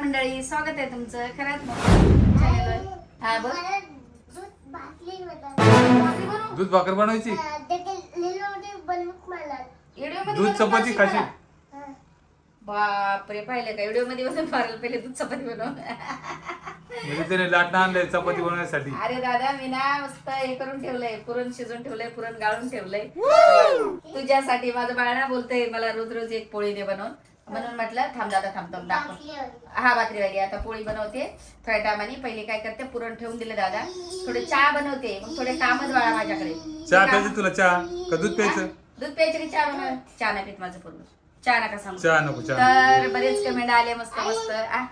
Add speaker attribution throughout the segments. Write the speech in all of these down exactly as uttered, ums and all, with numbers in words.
Speaker 1: मंडळी, स्वागत आहे तुमचं खरंच चॅनलवर. हा बोल.
Speaker 2: दूध भाकर बनवायची, दूध चपाती खायची.
Speaker 1: बापरे, पाहिलं का व्हिडिओ मध्ये बसून फारल पहिले दूध चपाती बनव.
Speaker 2: म्हणजे त्याने लाटणं आणलंय चपाती बनवण्यासाठी.
Speaker 1: अरे दादा, मी ना मस्त हे करून ठेवलंय, पुरण शिजून ठेवलंय, पुरण गाळून ठेवलंय तुझ्यासाठी. माझं बाळ ना बोलतंय मला रोज रोज एक पोळी दे बनवून, म्हणून म्हटलं थांब दादा, थांब थांब दाखव. हा भाकरी वाली आता पोळी बनवते थोड्या टायमाने. पहिले काय करते, पुरण ठेवून दिले दादा, थोडे चहा बनवते, मग थोडे कामच बाळा माझ्याकडे.
Speaker 2: चहा प्यायचं तुला? चहा का दूध प्यायचं?
Speaker 1: दूध प्यायचं की चहा बनव? चहा नाही पित माझं पूर्ण, चहा नका सांगू.
Speaker 2: चहा नको, चहा.
Speaker 1: तर बरेच कमेंट आले मस्त मस्त आ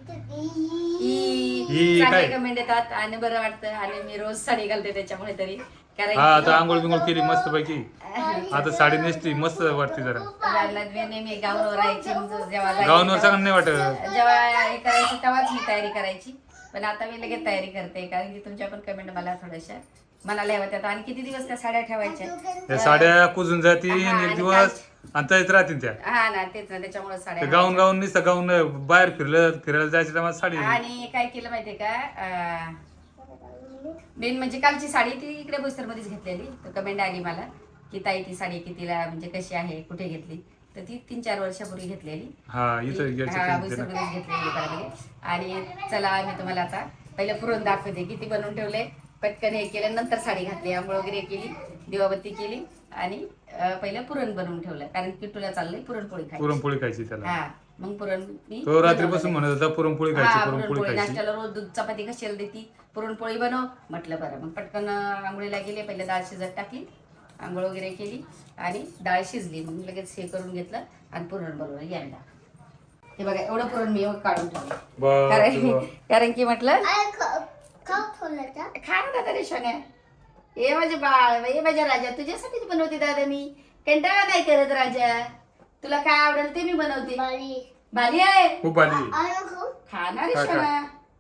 Speaker 1: चांगले कमेंट येतात आणि बरं वाटतं. आणि मी रोज साडी घालते त्याच्यामुळे तरी, कारण
Speaker 2: हा आता आंघोळ बिंघोळ केली मस्त पैकी, आता साडी नेसली मस्त वाटते जरा.
Speaker 1: नेहमी गाऊनवर राहायची, जेव्हा
Speaker 2: गाऊनवर चांगलं नाही वाटत.
Speaker 1: जेव्हा हे करायची तेव्हाच मी तयारी करायची, पण आता मी लगेच तयारी करते, कारण की तुमच्या पण कमेंट मला थोड्याशा मनाला होत्यात. आणि किती दिवस त्या साड्या ठेवायच्या,
Speaker 2: त्या साड्या कुजून जातील एक दिवस आणि तरीच राहतील त्या.
Speaker 1: हा ना, तेच ना, त्याच्यामुळे साड्या
Speaker 2: गाऊन गाऊन नुसतं गाऊन बाहेर फिरलं फिरायला जायचं तेव्हा साडी.
Speaker 1: आणि काय केलं माहितीये का, मेन म्हणजे कालची साडी ती इकडे बोईसर मध्येच घेतलेली. तर कमेंट आली मला की ताई ती साडी कितीला, म्हणजे कशी आहे, कुठे घेतली, तर ती तीन चार वर्षापूर्वी घेतलेली.
Speaker 2: हा इथं
Speaker 1: हा बोईसर मध्येच घेतलेली दुकानामध्ये. आणि चला मी तुम्हाला आता पहिलं पुरण दाखवते किती बनवून ठेवले. पटकन हे केलं, नंतर साडी घातली, आंघोळ वगैरे केली, दिवाबत्ती केली आणि पहिलं पुरण बनवून ठेवलं, कारण किट्टूला चाललंय पुरणपोळी खायची.
Speaker 2: पुरणपोळी खायची त्याला.
Speaker 1: हा मग पुरण मी
Speaker 2: तो रात्रीपासून म्हणत होता पुरणपोळी खायची, पुरणपोळी खायची.
Speaker 1: नाश्त्याला रोज दूध चपाती कशाला देती, पुरणपोळी बनव म्हटलं. बरं, मग पटकन आंघोळीला गेले, पहिले डाळ शिजत टाकली, आंघोळ वगैरे केली आणि डाळ शिजली, मग लगेच हे करून घेतलं आणि पुरण बनवलं. यायला हे बघा, एवढं पुरण मी काढून ठेवलं, कारण कारण की म्हटलं खा ना दादा रे सोन्या, हे माझे बाळ, हे माझ्या राजा, तुझ्यासाठीच बनवते दादा मी, कंटाळा नाही करत राजा, तुला काय आवडेल ते मी बनवते. भारी आहे,
Speaker 2: खूप भारी.
Speaker 1: खा ना रे सोन्या.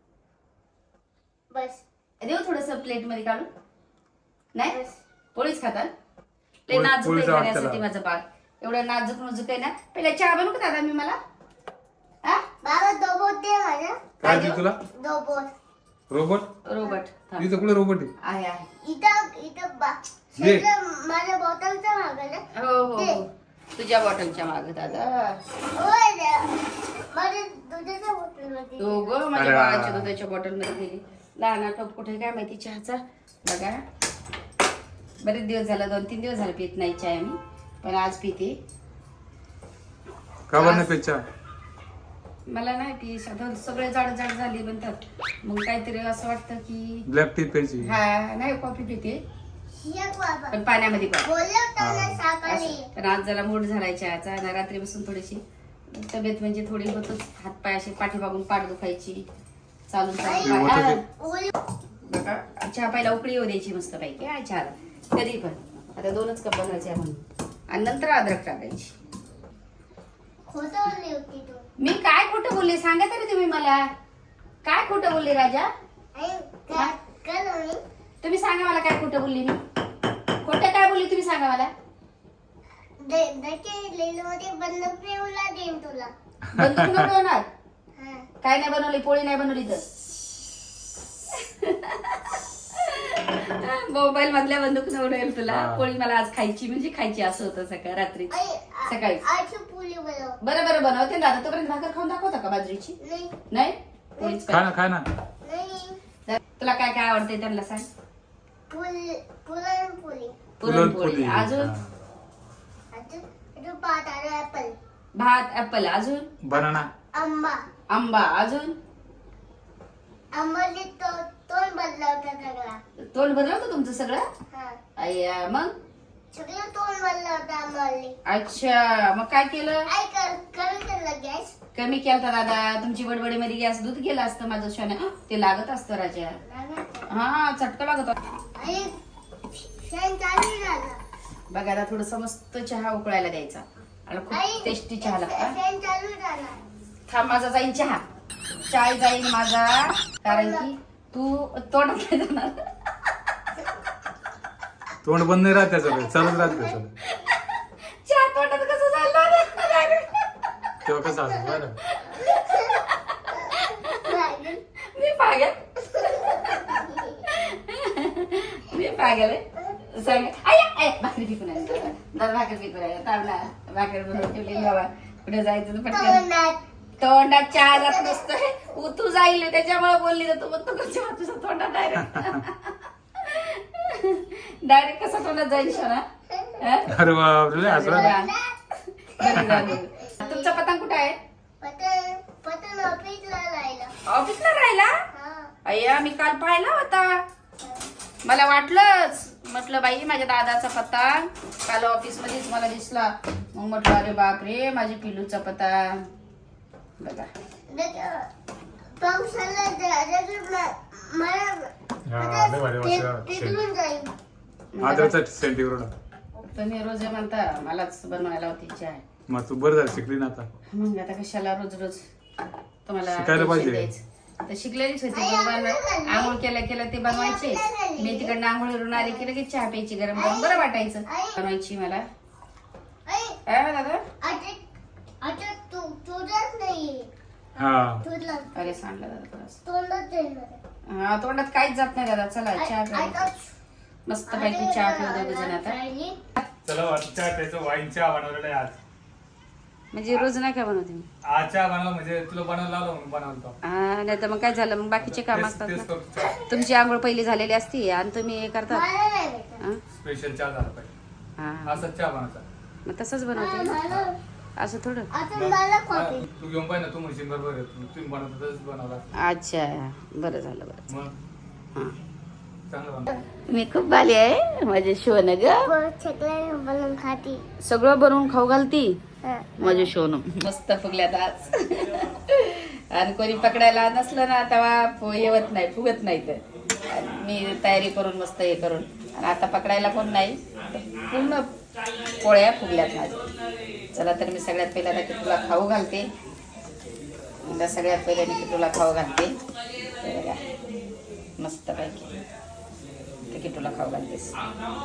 Speaker 1: बस देऊ थोडस प्लेट मध्ये काढून. नाही पोळीच खातात, ते नाजूक आहे खाण्यासाठी माझं बाळ, एवढं नाजूक नाजूक आहे ना. पहिला चहा बनवू का दादा मी मला? हा
Speaker 3: बाबा दोबोट दे माझ्या.
Speaker 2: काय दे तुला?
Speaker 3: दोबोट.
Speaker 2: रोबोट?
Speaker 1: रोबोट
Speaker 2: इथं कुठे रोबोट
Speaker 1: आहे? आहे
Speaker 3: इथं इथं बा सगळं माझ्या बॉटलचं मागं ना.
Speaker 1: हो हो हो, तुझ्या बॉटलच्या मागे दादा.
Speaker 3: होय रे, माझ्या दुधाच्या बॉटलमध्ये.
Speaker 1: हो ग, माझ्या बाळाच्या दुधाच्या बॉटल मध्ये गेली. लहान टोप कुठे काय माहिती चहाचा. बघा बरेच दिवस झाला, दोन तीन दिवस झाले पित नाही चहा मी, पण आज पिते.
Speaker 2: का बरं नाही चहा?
Speaker 1: मला नाही ती सगळे जाड जाड झाली म्हणतात, मग काहीतरी असं वाटतं की
Speaker 2: ब्लॅक टी प्यायची.
Speaker 1: हा नाही, कॉफी पिते पण पाण्यामध्ये. पण आज जरा मूड झालाय चहाचा, आणि रात्री बसून थोडीशी तब्येत म्हणजे थोडी होतच, हात पाय असे पाठीमागून पाठ दुखायची, चालून चालून. बघा चहा पहिला उकळी येऊ द्यायची मस्त पैकी हा चहाला, कधी पण. आता दोनच कप बनवायचे म्हणून, आणि नंतर अद्रक टाकायची. मी काय खोटं बोलले सांगा तरी तुम्ही मला, काय खोटं बोलले राजा? तुम्ही सांगा मला काय खोटं बोलली मी, खोटं काय बोलली तुम्ही सांगा मला. बंदूक न बनवणार? काय नाही बनवली, पोळी नाही बनवली तर मोबाईल मधल्या बंदूक न बनवेल तुला. पोळी मला आज खायची म्हणजे खायची, असं होतं सकाळ रात्री सकाळी. बरं बरं बनवते दादा, तोपर्यंत भाकर खाऊन दाखवता का बाजरीची? नाही पोळीच
Speaker 2: खा ना, खा ना.
Speaker 1: तुला काय काय आवडते त्यांना सांग.
Speaker 3: पुरणपोळी.
Speaker 1: पुरणपोळी अजून भात, ऍपल अजून
Speaker 2: बनाना,
Speaker 3: आंबा.
Speaker 1: आंबा अजून
Speaker 3: आंबाली तोंड बदला होता सगळा.
Speaker 1: तोंड भरलं होतं तुमचं सगळं?
Speaker 3: हा
Speaker 1: अय्या, मग
Speaker 3: सगळं तोंड बदला होता आंबाली.
Speaker 1: अच्छा, मग काय केलं?
Speaker 3: काय कर कमी केलं गॅस.
Speaker 1: कमी केलता दादा, तुमची बडबडी मध्ये गॅस दूध गेलं असतं माझं शाने. ते लागत असतं राजा, हा चटका लागत.
Speaker 3: आणि फॅन चालू झाला.
Speaker 1: बघा आता थोडस मस्त चहा उकळायला द्यायचा, आणि खूप टेस्टी चहा लागता.
Speaker 3: फॅन चालू झाला.
Speaker 1: थांब, माझा जाईल चहा, चाय जाईल माझा, कारण की तू तोंड जाणार.
Speaker 2: तोंड बंद नाही राहत त्याचं, चालूच राहत त्याचं.
Speaker 1: चहा तोंडात कसं चालणार?
Speaker 2: तेव्हा कसं असं बरं.
Speaker 1: लागेल सांग आय आय भाकरी पिकून आहे दादा भाकरी पिकून आहे तावना भाकरी बनवून ठेवली बाबा कुठे जायचं तर पटकन तोंडात चहा जात नसतोय उतू जाईल त्याच्यामुळे बोलली तर तू म्हणतो कशा तुझं तोंडात डायरेक्ट डायरेक्ट कसं तोंडात जाईल शोना
Speaker 2: अरे बापरे असं
Speaker 1: तुमचा पतंग कुठे आहे
Speaker 3: पतंग पतंग ऑफिसला राहिला
Speaker 1: ऑफिसला राहिला अय्या मी काल पाहिला होता मला वाटलंच म्हटलं बाई माझ्या दादाचा पतंग काल ऑफिस मध्येच मला दिसला मग म्हटलं अरे बापरे माझी पिलूचा पतंग बघा
Speaker 3: पावसाला
Speaker 2: आदरचा सेंटीवर
Speaker 1: तुम्ही रोज म्हणता मलाच बनवायला होती इच्छा आहे
Speaker 2: मग तू बरं झालं शिकली ना आता
Speaker 1: मग आता कशाला रोज रोज तुम्हाला
Speaker 2: शिकायला पाहिजे.
Speaker 1: tension द्यायचं. तर शिकलेलीच होती बरोबर आंघोळ केलं केलं ते बनवायचे मी तिकडनं आंघोळीवरून आले की लगेच चहा प्यायची गरम गरम बरं वाटायचं बनवायची मला काय म्हणा दादा
Speaker 3: आता तू तुझंच नाही
Speaker 2: हा
Speaker 3: तुझला
Speaker 1: अरे सांगला दादा थोडंसं.
Speaker 3: तोंडात येणार
Speaker 1: हा तोंडात काहीच जात नाही दादा चला चहा प्या मस्त पैकी चहा पिऊ दोघ जण आता
Speaker 2: चला चहा त्याचं वाईन चहा बनवलेला आहे आज
Speaker 1: म्हणजे रोज नाही काय बनवते मी
Speaker 2: आज चहा बनवला म्हणजे तुला बनवायला लावलं म्हणून बनवतो
Speaker 1: हा नाही तर मग काय झालं मग बाकीचे काम असतात
Speaker 2: तेच
Speaker 1: ना
Speaker 2: करतो चहा
Speaker 1: तुमची आंघोळ पहिली झालेली असती आणि तुम्ही हे करता
Speaker 3: मला नाही भेटत
Speaker 1: हा?
Speaker 2: स्पेशल चहा झाला पाहिजे
Speaker 1: हा
Speaker 2: असाच चहा बनवायचा
Speaker 1: मग तसंच बनवते ना.
Speaker 3: मला
Speaker 1: असं थोडं
Speaker 3: आता मला कॉफी
Speaker 2: तू घेऊन पाहिजे ना तू म्हणशील बरोबर आहे तू- तुम्ही बनवतो तसंच बनवला
Speaker 1: अच्छा बरं झालं बरं
Speaker 2: मग
Speaker 1: हा
Speaker 2: चांगलं बनव
Speaker 1: मी खूप बाली आहे माझे शोन ग
Speaker 3: छकले बनवून खाती
Speaker 1: सगळं बनवून खाऊ घालती
Speaker 3: हा.
Speaker 1: माझे शोन मस्त फुगल्यात आज आणि कोणी पकडायला नसलं ना तेव्हा फु- येवत नाही फुगत नाही तर आणि मी तयारी करून मस्त हे करून आणि आता पकडायला कोण नाही पूर्ण पोळ्या फुगल्यात माझ्या चला तर मी सगळ्यात पहिला आता किटूला खाऊ घालते आता सगळ्यात पहिले मी किटूला खाऊ घालते हे बघा मस्त पैकी ते किटूला खाऊ घालतेस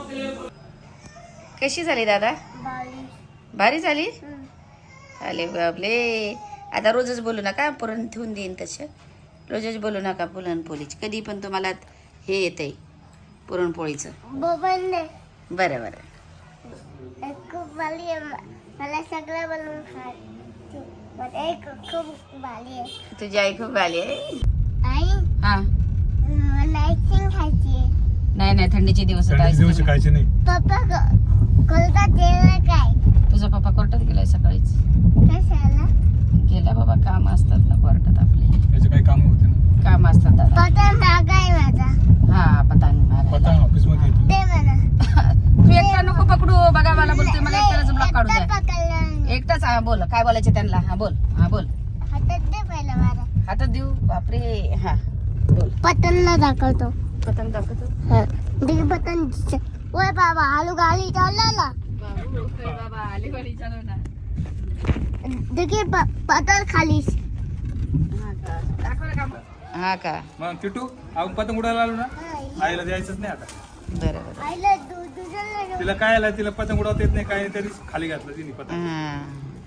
Speaker 1: कशी झाली दादा
Speaker 3: बाली
Speaker 1: भारी झाली
Speaker 3: हम्म.
Speaker 1: अरे बापले आता रोजच बोलू नका पुरण ठेवून देईन तसं रोजच बोलू नका पुरणपोळीची कधी पण तुम्हाला हे येतंय पुरणपोळीचं
Speaker 3: बोबनने
Speaker 1: बरं बरं
Speaker 3: एक खूप बाली आहे म- मला सगळं बनवून खायचं मला एक खूप बाली आहे
Speaker 1: तुझी आई खूप आली आहे
Speaker 3: आई
Speaker 1: हा
Speaker 3: मला आईस्क्रीम खायची आहे
Speaker 1: नाही नाही थंडीचे दिवस आहेत,
Speaker 2: थंडीचे दिवस
Speaker 1: ice cream.
Speaker 2: शिकायचे नाही
Speaker 3: पप्पा क- कोलकाता गेला काय
Speaker 1: तुझा पप्पा कोर्टात गेलाय सकाळीच
Speaker 3: कशाला
Speaker 1: गेला बाबा काम असतात ना कोर्टात आपले
Speaker 2: त्याचे काही काम होते ना
Speaker 1: काम असतात दादा
Speaker 3: पतंग मागाय माझा
Speaker 1: हा पतंग मारायला.
Speaker 2: पतंग ऑफिस मध्ये येतो.
Speaker 3: ते म्हणा
Speaker 1: तू एकटा नको पकडू बघा मला बोलते मला एकट्यालाच ब्लॉक काढू द्या
Speaker 3: एकटा पकडला
Speaker 1: एकटाच हा बोल काय बोलायचं त्यांना हा बोल हा बोल
Speaker 3: हातात दे पहिला माझा
Speaker 1: हातात देऊ बापरे हा बोल
Speaker 3: पतंगला दाखवतो
Speaker 1: पतंग दाखवतो
Speaker 3: हा दिख पतंग दिसते. ओय बाबा आलू गाडी चालला
Speaker 1: बाबा आले गाडी चालव ना
Speaker 3: देखील पतंग खालीस
Speaker 1: हा का
Speaker 2: मग किटू आपण पतंग उडायला आलो ना आईला द्यायचंच नाही आता
Speaker 1: बरं बरं
Speaker 3: आईला दु- दुसऱ्याला
Speaker 2: तिला काय आलं तिला पतंग उडवता येत नाही काय नाही तरी खाली घातलं तिने पतंग
Speaker 1: हा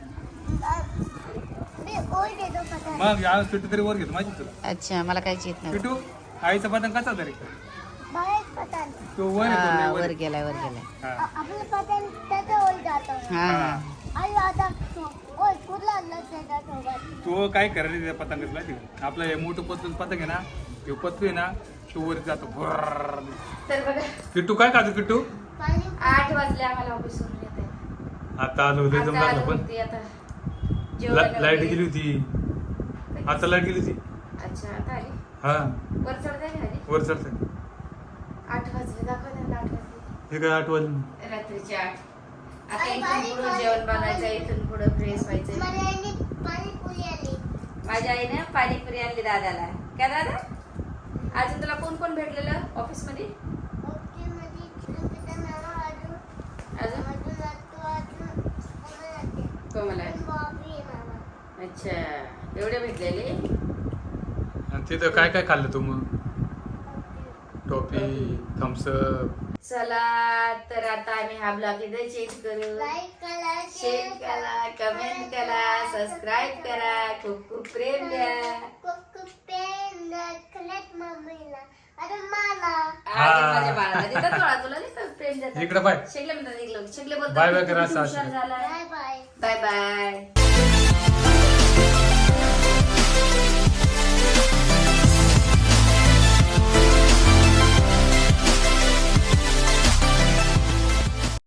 Speaker 3: मी ओय देतो पतंग
Speaker 2: मग या किटू तरी वर घेतो माहिती तुला
Speaker 1: अच्छा मला काहीच येत नाही
Speaker 2: किटू आईचा पतंग कसा तरी
Speaker 3: बाहेर पतंग
Speaker 2: तो वर येतो
Speaker 1: हा,
Speaker 2: लय
Speaker 1: वर
Speaker 2: वर
Speaker 1: गेलाय वर गेलाय
Speaker 2: हा.
Speaker 3: आपलं पतंग त्याच्या ओय जातो
Speaker 1: हा हा
Speaker 3: आई आता ओय कुठला आणलं त्याच्यासोबत
Speaker 2: तो काय करायला त्या पतंगच माहिती का आपलं हे मोठं पतंग पतंग आहे ना ते पतंग आहे ना तो वर जातो भुर्र.
Speaker 1: तर बघा
Speaker 2: किट्टू काय खातो किट्टू
Speaker 3: पाणी
Speaker 1: आठ वाजले आम्हाला ऑफिसवरून येत आहे
Speaker 2: आता आलो होते एकदम
Speaker 1: आता
Speaker 2: लागलं
Speaker 1: आलो
Speaker 2: पण
Speaker 1: होती आता
Speaker 2: ला-
Speaker 1: जेवणाला
Speaker 2: लाईट
Speaker 1: गेली.
Speaker 2: गेली होती आता लाईट गेली होती
Speaker 1: अच्छा आता आली
Speaker 2: हा
Speaker 1: वर चढताय का आली
Speaker 2: वर चढतंय
Speaker 1: आठ वाजले दाखवा त्यांना आठ वाजले
Speaker 2: हे काय आठवलं
Speaker 1: रात्रीचे आठ आता
Speaker 3: आई,
Speaker 1: इथून
Speaker 3: बारीक
Speaker 1: पुढे
Speaker 3: बारीक
Speaker 1: जेवण बनवायचं इथून पुढे फ्रेश व्हायचं
Speaker 3: मला आईने पाणीपुरी आली
Speaker 1: माझ्या आईने पाणीपुरी आणली दादाला काय दादा अजून तुला कोण कोण भेटलेलं ऑफिस मध्ये
Speaker 3: ओके मध्ये चिकन नाव अजून
Speaker 1: अजून
Speaker 3: अजून अजून अजून कोण आहे?
Speaker 1: कोमल आहे
Speaker 3: बॉबी आहे मामा
Speaker 1: अच्छा एवढे भेटलेले
Speaker 2: आणि तिथं काय काय खाल्लं तू मग टॉफी थम्सअप
Speaker 1: चला तर आता आम्ही हा ब्लॉग इथे चेंज करू
Speaker 3: लाईक करा
Speaker 1: शेअर करा कमेंट करा सबस्क्राईब करा खूप खूप प्रेम द्या
Speaker 3: खूप खूप पेन खल्यात मम्मीला अरे मला
Speaker 1: आज माझ्या बाळाला देतात बाळा तुला नाही का प्रेम देतात.
Speaker 2: इकडे बाय
Speaker 1: शेगले म्हणतात इकडं शेगले बोलतात
Speaker 2: बाय बाय
Speaker 1: तू
Speaker 2: करा
Speaker 1: किती
Speaker 2: असं
Speaker 1: हुशार
Speaker 2: असं.
Speaker 1: झालाय.
Speaker 3: Bye bye
Speaker 1: bye bye.